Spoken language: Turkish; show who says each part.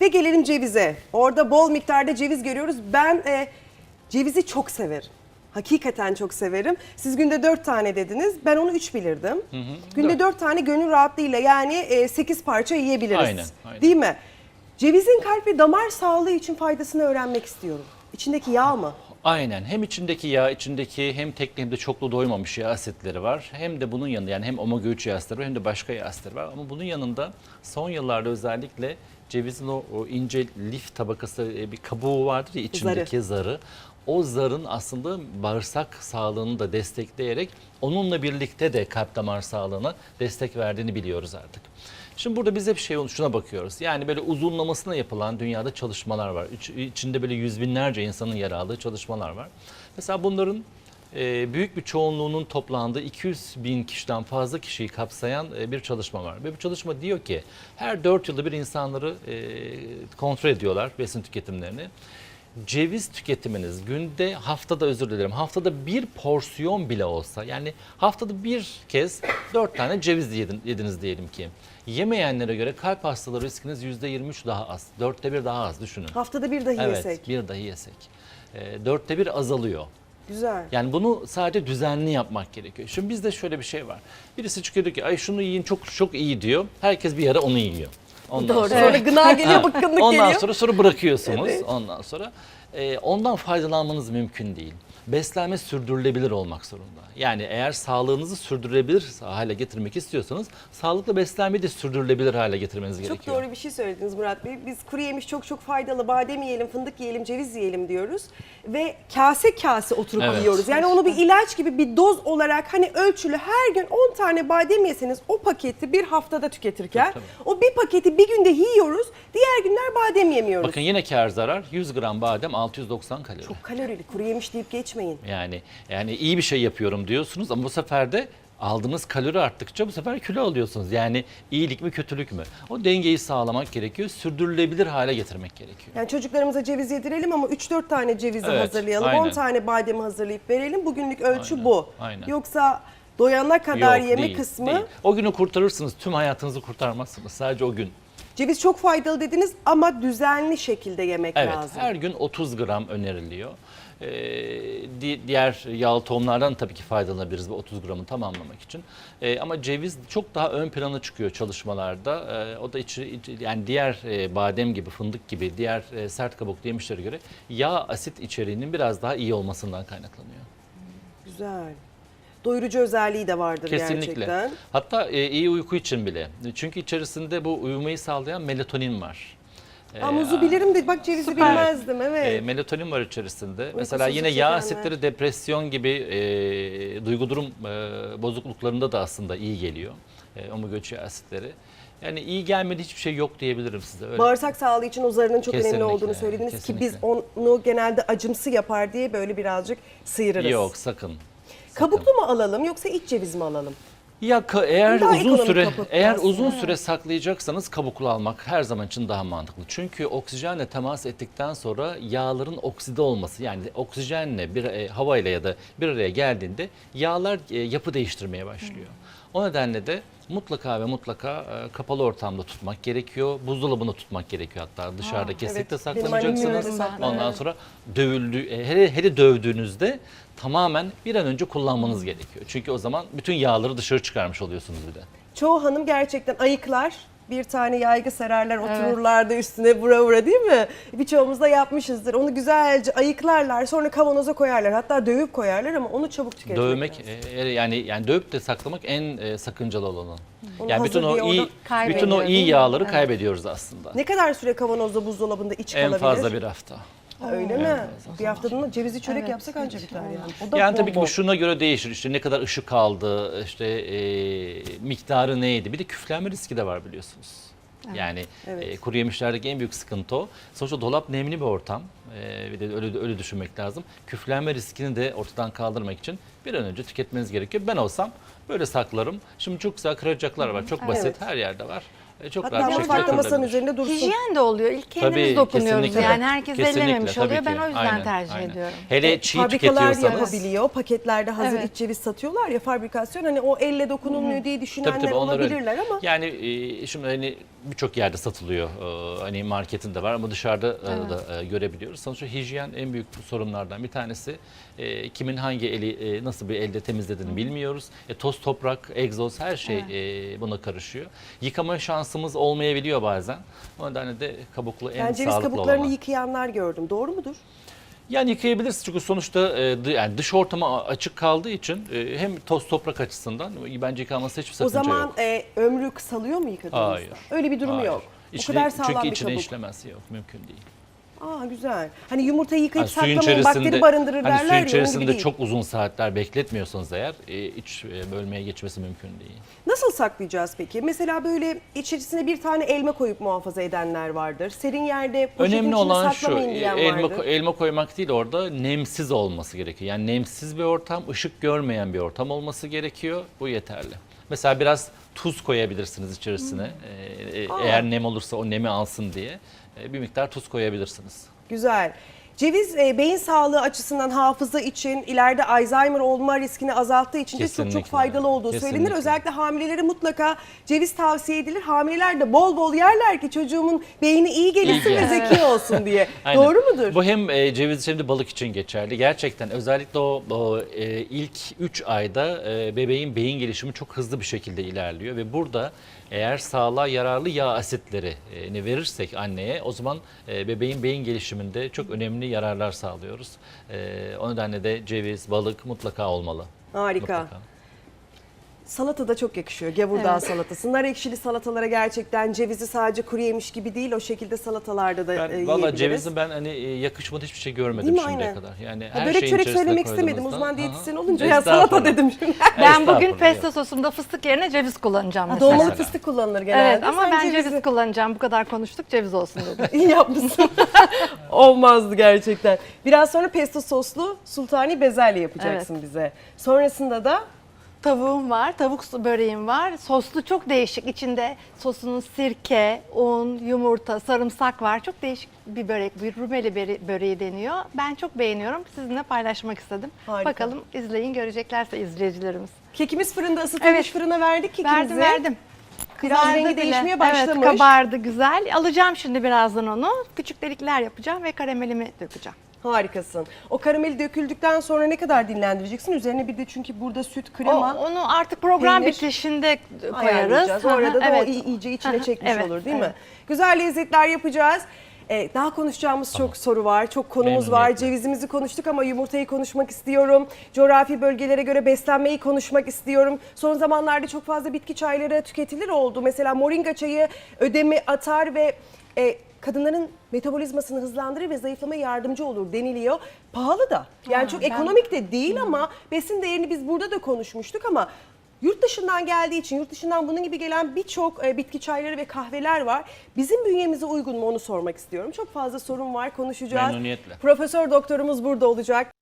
Speaker 1: Şimdi gelelim cevize. Orada bol miktarda ceviz görüyoruz. Ben cevizi çok severim. Hakikaten çok severim. Siz günde 4 tane dediniz. Ben onu 3 bilirdim. Günde 4 tane gönül rahatlığıyla yani 8 parça yiyebiliriz.
Speaker 2: Aynen.
Speaker 1: Değil mi? Cevizin kalp ve damar sağlığı için faydasını öğrenmek istiyorum. İçindeki yağ mı?
Speaker 2: Aynen. Hem içindeki yağ, içindeki hem tekli hem de çoklu doymamış yağ asitleri var. Hem de bunun yanında yani hem omega 3 yağ asitleri var hem de başka yağ asitleri var. Ama bunun yanında son yıllarda özellikle cevizin o ince lif tabakası bir kabuğu vardır ya içindeki zarı. O zarın aslında bağırsak sağlığını da destekleyerek onunla birlikte de kalp damar sağlığına destek verdiğini biliyoruz artık. Şimdi burada biz hep şuna bakıyoruz. Yani böyle uzunlamasına yapılan dünyada çalışmalar var. İçinde böyle yüz binlerce insanın yer aldığı çalışmalar var. Mesela bunların büyük bir çoğunluğunun toplandığı 200 bin kişiden fazla kişiyi kapsayan bir çalışma var. Ve bu çalışma diyor ki her 4 yılda bir insanları kontrol ediyorlar besin tüketimlerini. Ceviz tüketiminiz günde haftada bir porsiyon bile olsa yani haftada bir kez 4 tane ceviz yediniz diyelim ki. Yemeyenlere göre kalp hastalığı riskiniz %23 daha az. 1/4 daha az düşünün.
Speaker 1: Haftada bir dahi yesek.
Speaker 2: Evet, bir dahi yesek. 1/4 azalıyor.
Speaker 1: Güzel.
Speaker 2: Yani bunu sadece düzenli yapmak gerekiyor. Şimdi bizde şöyle bir şey var. Birisi çıkıyor ki ay şunu yiyin çok iyi diyor. Herkes bir ara onu yiyor.
Speaker 1: Ondan sonra gına geliyor, bıkkınlık
Speaker 2: ondan
Speaker 1: geliyor.
Speaker 2: sonra bırakıyorsunuz.
Speaker 1: Evet.
Speaker 2: Ondan sonra ondan faydalanmanız mümkün değil. Beslenme sürdürülebilir olmak zorunda. Yani eğer sağlığınızı sürdürülebilir hale getirmek istiyorsanız sağlıklı beslenmeyi de sürdürülebilir hale getirmeniz gerekiyor.
Speaker 1: Çok doğru bir şey söylediniz Murat Bey. Biz kuru yemiş çok faydalı, badem yiyelim, fındık yiyelim, ceviz yiyelim diyoruz. Ve kase kase oturup yiyoruz. Yani onu bir ilaç gibi bir doz olarak hani ölçülü her gün 10 tane badem yeseniz o paketi bir haftada tüketirken
Speaker 2: Tabii.
Speaker 1: o bir paketi bir günde yiyoruz, diğer günler badem yemiyoruz.
Speaker 2: Bakın yine kâr zarar 100 gram badem 690 kalori.
Speaker 1: Çok kalorili, kuru yemiş deyip geçmeyin.
Speaker 2: Yani iyi bir şey yapıyorum diyorsunuz ama bu sefer de aldığınız kalori arttıkça bu sefer kilo alıyorsunuz. Yani iyilik mi kötülük mü? O dengeyi sağlamak gerekiyor. Sürdürülebilir hale getirmek gerekiyor.
Speaker 1: Yani çocuklarımıza ceviz yedirelim ama 3-4 tane cevizi
Speaker 2: Evet,
Speaker 1: hazırlayalım.
Speaker 2: aynen.
Speaker 1: 10 tane bademi hazırlayıp verelim. Bugünlük ölçü
Speaker 2: Aynen,
Speaker 1: bu.
Speaker 2: aynen.
Speaker 1: Yoksa doyana kadar
Speaker 2: Yok,
Speaker 1: yeme
Speaker 2: değil,
Speaker 1: kısmı.
Speaker 2: değil. O günü kurtarırsınız. Tüm hayatınızı kurtarmazsınız. Sadece o gün.
Speaker 1: Ceviz çok faydalı dediniz ama düzenli şekilde yemek
Speaker 2: Evet,
Speaker 1: lazım.
Speaker 2: her gün 30 gram öneriliyor. Diğer yağlı tohumlardan tabii ki faydalanabiliriz bu 30 gramı tamamlamak için. Ama ceviz çok daha ön plana çıkıyor çalışmalarda. O da yani diğer badem gibi, fındık gibi, diğer sert kabuklu yemişlere göre yağ asit içeriğinin biraz daha iyi olmasından kaynaklanıyor.
Speaker 1: Güzel. Doyurucu özelliği de vardır
Speaker 2: Kesinlikle.
Speaker 1: gerçekten.
Speaker 2: Hatta iyi uyku için bile. Çünkü içerisinde bu uyumayı sağlayan melatonin var.
Speaker 1: Muzu bilirim de bak cevizi bilmezdim. Evet.
Speaker 2: Melatonin var içerisinde. Mesela yine yağ asitleri depresyon gibi duygu durum bozukluklarında da aslında iyi geliyor. Omega 3 yağ asitleri. Yani iyi gelmedi hiçbir şey yok diyebilirim size. Öyle.
Speaker 1: Bağırsak sağlığı için o zarının çok önemli
Speaker 2: Kesinlikle,
Speaker 1: olduğunu söylediniz
Speaker 2: kesinlikle.
Speaker 1: ki biz onu genelde acımsı yapar diye böyle birazcık sıyırırız.
Speaker 2: Yok sakın.
Speaker 1: Kabuklu mu alalım yoksa iç ceviz mi alalım?
Speaker 2: Ya eğer
Speaker 1: Daha
Speaker 2: uzun
Speaker 1: ekonomik
Speaker 2: süre
Speaker 1: kabuklu
Speaker 2: uzun süre saklayacaksanız kabuklu almak her zaman için daha mantıklı. Çünkü oksijenle temas ettikten sonra yağların okside olması yani oksijenle havayla ya da bir araya geldiğinde yağlar yapı değiştirmeye başlıyor. O nedenle de mutlaka kapalı ortamda tutmak gerekiyor. Buzdolabında tutmak gerekiyor hatta dışarıda kesinlikle
Speaker 1: evet. Benim annem
Speaker 2: saklamayacaksınız.
Speaker 1: öyle saklar.
Speaker 2: Ondan sonra hele dövdüğünüzde tamamen bir an önce kullanmanız gerekiyor. Çünkü o zaman bütün yağları dışarı çıkarmış oluyorsunuz bir de.
Speaker 1: Çoğu hanım gerçekten ayıklar. Bir tane yaygı sererler, otururlar da üstüne vura vura değil mi? Birçoğumuz da yapmışızdır. Onu güzelce ayıklarlar, sonra kavanoza koyarlar. Hatta dövüp koyarlar ama onu çabuk tüketmek
Speaker 2: Dövmek
Speaker 1: lazım.
Speaker 2: yani dövüp de saklamak en sakıncalı olanı.
Speaker 1: Onu
Speaker 2: Yani bütün
Speaker 1: hazır
Speaker 2: o
Speaker 1: diye
Speaker 2: iyi
Speaker 1: orada
Speaker 2: bütün o iyi
Speaker 3: değil mi?
Speaker 2: yağları
Speaker 3: Evet.
Speaker 2: kaybediyoruz aslında.
Speaker 1: Ne kadar süre kavanozda, buzdolabında iç
Speaker 2: En
Speaker 1: kalabilir?
Speaker 2: fazla bir hafta.
Speaker 1: Ha, öyle mi? Bir haftada cevizi çörek yapsak anca biter yani. O da
Speaker 2: Yani tabii ki
Speaker 1: bol
Speaker 2: bu
Speaker 1: bol.
Speaker 2: şuna göre değişir. İşte ne kadar ışık aldı, işte miktarı neydi. Bir de küflenme riski de var biliyorsunuz. Yani
Speaker 1: Evet.
Speaker 2: kuru yemişlerdeki en büyük sıkıntı o. Sonuçta dolap nemli bir ortam. Bir de öyle düşünmek lazım. Küflenme riskini de ortadan kaldırmak için bir an önce tüketmeniz gerekiyor. Ben olsam böyle saklarım. Şimdi çok güzel kıracaklar var. Çok basit.
Speaker 1: Evet.
Speaker 2: Her yerde var. Çok
Speaker 1: Hatta
Speaker 2: rahat bir şekilde
Speaker 1: mutfakta masanın
Speaker 2: kırılabilir.
Speaker 1: üzerinde dursun.
Speaker 3: Hijyen de oluyor. İlk kendimiz
Speaker 2: Tabii,
Speaker 3: dokunuyoruz
Speaker 2: kesinlikle.
Speaker 3: yani. Herkes
Speaker 2: Kesinlikle,
Speaker 3: ellememiş
Speaker 2: tabii
Speaker 3: oluyor. Ben
Speaker 2: ki.
Speaker 3: o yüzden
Speaker 2: Aynen,
Speaker 3: tercih
Speaker 2: aynen.
Speaker 3: ediyorum.
Speaker 2: Hele çiğ
Speaker 1: Fabrikalar
Speaker 2: tüketiyorsanız.
Speaker 1: yapabiliyor. Paketlerde hazır
Speaker 3: Evet.
Speaker 1: iç ceviz satıyorlar ya fabrikasyon. Hani o elle dokunulmuyor diye düşünenler
Speaker 2: Tabii onlar öyle.
Speaker 1: olabilirler ama
Speaker 2: Yani şimdi hani birçok yerde satılıyor. Hani marketinde var ama dışarıda da görebiliyoruz. Sonuçta hijyen en büyük sorunlardan bir tanesi. Kimin hangi eli nasıl bir elde temizlediğini bilmiyoruz. Toz, toprak, egzoz her şey buna karışıyor. Yıkama şansımız olmayabiliyor bazen. O nedenle de kabuklu en
Speaker 1: Ben ceviz
Speaker 2: sağlıklı
Speaker 1: kabuklarını
Speaker 2: olan.
Speaker 1: yıkayanlar gördüm. Doğru mudur?
Speaker 2: Yani yıkayabiliriz çünkü sonuçta yani dış ortama açık kaldığı için hem toz toprak açısından bence yıkanması hiçbir
Speaker 1: O
Speaker 2: sakınca
Speaker 1: zaman
Speaker 2: yok.
Speaker 1: ömrü kısalıyor mu yıkadığınızda?
Speaker 2: Hayır.
Speaker 1: Öyle bir durum
Speaker 2: Hayır.
Speaker 1: yok. O kadar sağlam
Speaker 2: çünkü
Speaker 1: bir
Speaker 2: içine
Speaker 1: kabuk.
Speaker 2: işlemesi yok, mümkün değil.
Speaker 1: Aa güzel. Hani yumurtayı yıkayıp
Speaker 2: Suyun
Speaker 1: saklamayın bakteri barındırır
Speaker 2: hani
Speaker 1: derler
Speaker 2: suyun
Speaker 1: ya, onun gibi
Speaker 2: içerisinde
Speaker 1: değil.
Speaker 2: çok uzun saatler bekletmiyorsanız eğer iç bölmeye geçmesi mümkün değil.
Speaker 1: Nasıl saklayacağız peki? Mesela böyle içerisine bir tane elma koyup muhafaza edenler vardır. Serin yerde poşetin
Speaker 2: Önemli
Speaker 1: içine
Speaker 2: olan şu,
Speaker 1: saklamayın diyen vardır.
Speaker 2: elma koymak değil, orada nemsiz olması gerekiyor. Yani nemsiz bir ortam, ışık görmeyen bir ortam olması gerekiyor. Bu yeterli. Mesela biraz tuz koyabilirsiniz içerisine. Eğer nem olursa o nemi alsın diye bir miktar tuz koyabilirsiniz.
Speaker 1: Güzel. Ceviz beyin sağlığı açısından, hafıza için, ileride Alzheimer olma riskini azalttığı için de çok
Speaker 2: Kesinlikle.
Speaker 1: faydalı olduğu söylenir.
Speaker 2: Kesinlikle.
Speaker 1: Özellikle hamilelere mutlaka ceviz tavsiye edilir. Hamileler de bol bol yerler ki çocuğumun beyni iyi gelişsin ve
Speaker 2: gelsin.
Speaker 1: zeki olsun diye.
Speaker 2: Aynen.
Speaker 1: Doğru mudur?
Speaker 2: Bu hem ceviz hem de balık için geçerli. Gerçekten özellikle o ilk 3 ayda bebeğin beyin gelişimi çok hızlı bir şekilde ilerliyor ve burada eğer sağlığa yararlı yağ asitlerini verirsek anneye, o zaman bebeğin beyin gelişiminde çok önemli yararlar sağlıyoruz. O nedenle de ceviz, balık mutlaka olmalı.
Speaker 1: Harika.
Speaker 2: Mutlaka.
Speaker 1: Salata da çok yakışıyor. Gevurdağ salatası. Nar ekşili salatalara gerçekten cevizi sadece kuru yemiş gibi değil, o şekilde salatalarda da
Speaker 2: Ben
Speaker 1: yiyebiliriz.
Speaker 2: valla cevizin ben hani yakışmadı hiçbir şey görmedim
Speaker 1: Değil mi?
Speaker 2: şimdiye
Speaker 1: Aynen.
Speaker 2: kadar. Yani
Speaker 1: Ya
Speaker 2: her
Speaker 1: börek
Speaker 2: şeyin
Speaker 1: çörek
Speaker 2: içerisine
Speaker 1: söylemek istemedim.
Speaker 2: koyduğunuzda-
Speaker 1: Uzman
Speaker 2: Hı hı.
Speaker 1: diyetisyen olunca ya salata
Speaker 2: Estağfurullah.
Speaker 1: dedim şimdi.
Speaker 3: Ben bugün
Speaker 2: Estağfurullah,
Speaker 3: pesto
Speaker 2: yok.
Speaker 3: sosumda fıstık yerine ceviz kullanacağım mesela.
Speaker 1: Dolmalık
Speaker 2: Mesela.
Speaker 1: fıstık kullanılır genelde.
Speaker 3: Evet ama
Speaker 1: Sen
Speaker 3: ben
Speaker 1: cevizi-
Speaker 3: ceviz kullanacağım. Bu kadar konuştuk, ceviz olsun dedim.
Speaker 1: İyi yapmışsın. Olmazdı gerçekten. Biraz sonra pesto soslu sultani bezelye yapacaksın bize. Sonrasında da
Speaker 3: Tavuğum var, tavuk böreğim var. Soslu çok değişik. İçinde sosunun sirke, un, yumurta, sarımsak var. Çok değişik bir börek. Bir Rumeli böreği deniyor. Ben çok beğeniyorum. Sizinle paylaşmak istedim.
Speaker 1: Harika.
Speaker 3: Bakalım izleyin, göreceklerse izleyicilerimiz.
Speaker 1: kekimiz fırında ısıtılmış,
Speaker 3: Evet.
Speaker 1: fırına verdik kekimizi.
Speaker 3: Verdim.
Speaker 1: Biraz
Speaker 3: Kızardı
Speaker 1: rengi
Speaker 3: bile.
Speaker 1: değişmeye başlamış.
Speaker 3: Evet, kabardı güzel. Alacağım şimdi birazdan onu. Küçük delikler yapacağım ve karamelimi dökeceğim.
Speaker 1: Harikasın. O karameli döküldükten sonra ne kadar dinlendireceksin? Üzerine bir de çünkü burada süt, krema
Speaker 3: Onu artık program
Speaker 1: peynir
Speaker 3: bitişinde koyarız.
Speaker 1: ayarlayacağız. Orada da
Speaker 3: Evet.
Speaker 1: o iyice içine
Speaker 3: Hı hı,
Speaker 1: çekmiş
Speaker 3: evet,
Speaker 1: olur değil
Speaker 3: evet.
Speaker 1: mi? Güzel lezzetler yapacağız. Daha konuşacağımız çok soru var, çok konumuz var.
Speaker 2: Memnuniyetle.
Speaker 1: Cevizimizi konuştuk ama yumurtayı konuşmak istiyorum. Coğrafi bölgelere göre beslenmeyi konuşmak istiyorum. Son zamanlarda çok fazla bitki çayları tüketilir oldu. Mesela moringa çayı ödemi atar ve kadınların metabolizmasını hızlandırır ve zayıflamaya yardımcı olur deniliyor. Pahalı da. Yani çok ekonomik de değil ama besin değerini biz burada da konuşmuştuk ama yurt dışından geldiği için, yurt dışından bunun gibi gelen birçok bitki çayları ve kahveler var. Bizim bünyemize uygun mu onu sormak istiyorum. Çok fazla sorun var, konuşacağız.
Speaker 2: Memnuniyetle.
Speaker 1: Profesör doktorumuz burada olacak.